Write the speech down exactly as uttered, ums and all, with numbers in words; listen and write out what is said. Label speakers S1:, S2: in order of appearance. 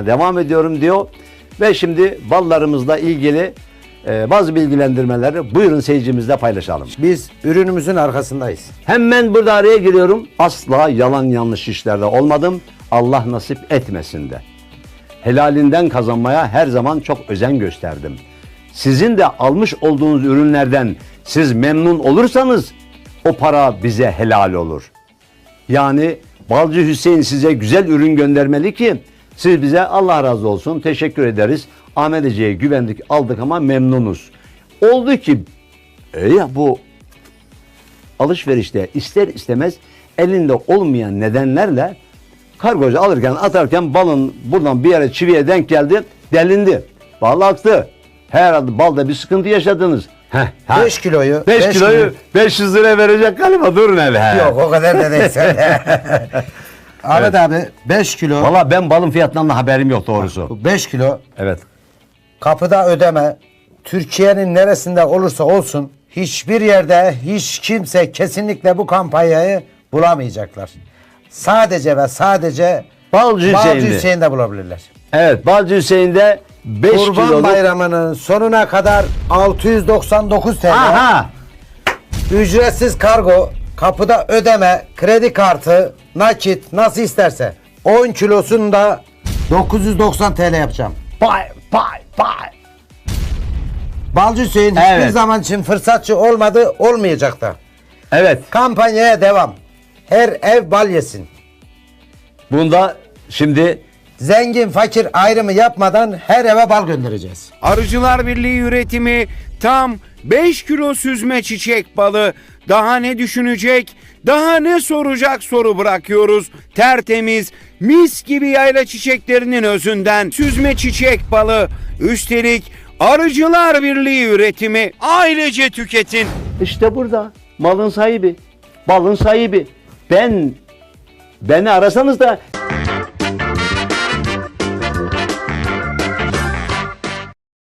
S1: hayatına devam ediyorum diyor. Ve şimdi ballarımızla ilgili e, bazı bilgilendirmeleri buyurun seyircimizle paylaşalım.
S2: Biz ürünümüzün arkasındayız.
S1: Hemen burada araya giriyorum. Asla yalan yanlış işlerde olmadım. Allah nasip etmesin de. Helalinden kazanmaya her zaman çok özen gösterdim. Sizin de almış olduğunuz ürünlerden siz memnun olursanız o para bize helal olur. Yani Balcı Hüseyin size güzel ürün göndermeli ki siz bize Allah razı olsun teşekkür ederiz. Ahmet Ece'ye güvendik aldık ama memnunuz. Oldu ki e ya bu alışverişte ister istemez elinde olmayan nedenlerle kargocu alırken atarken balın buradan bir yere çiviye denk geldi, delindi. Bal aktı. Herhalde balda bir sıkıntı yaşadınız.
S2: beş kiloyu
S1: beş kiloyu beş yüz liraya verecek galiba, durun hele.
S2: Yok o kadar da değil sen de. Ahmet
S1: Evet.
S2: abi beş kilo.
S1: Valla ben balın fiyatından da haberim yok doğrusu.
S2: beş kilo
S1: Evet.
S2: kapıda ödeme. Türkiye'nin neresinde olursa olsun hiçbir yerde hiç kimse kesinlikle bu kampanyayı bulamayacaklar. Sadece ve sadece
S1: Balcı
S2: Balcı
S1: Hüseyin'de.
S2: Hüseyin'de bulabilirler.
S1: Evet, Balcı Hüseyin'de beş
S2: Kurban
S1: kiloluk.
S2: Bayramı'nın sonuna kadar altı yüz doksan dokuz T L.
S1: Aha.
S2: Ücretsiz kargo, kapıda ödeme, kredi kartı, nakit nasıl isterse. on kilosunu da dokuz yüz doksan T L yapacağım.
S1: Pay pay pay.
S2: Balcı Hüseyin hiçbir
S1: Evet.
S2: zaman için fırsatçı olmadı, olmayacak da.
S1: Evet.
S2: Kampanyaya devam. Her ev bal yesin.
S1: Bunda şimdi
S2: Zengin fakir ayrımı yapmadan her eve bal göndereceğiz.
S3: Arıcılar Birliği üretimi tam beş kilo süzme çiçek balı. Daha ne düşünecek, daha ne soracak soru bırakıyoruz. Tertemiz, mis gibi yayla çiçeklerinin özünden süzme çiçek balı. Üstelik Arıcılar Birliği üretimi, ailece tüketin.
S1: işte burada malın sahibi, balın sahibi. Ben beni arasanız da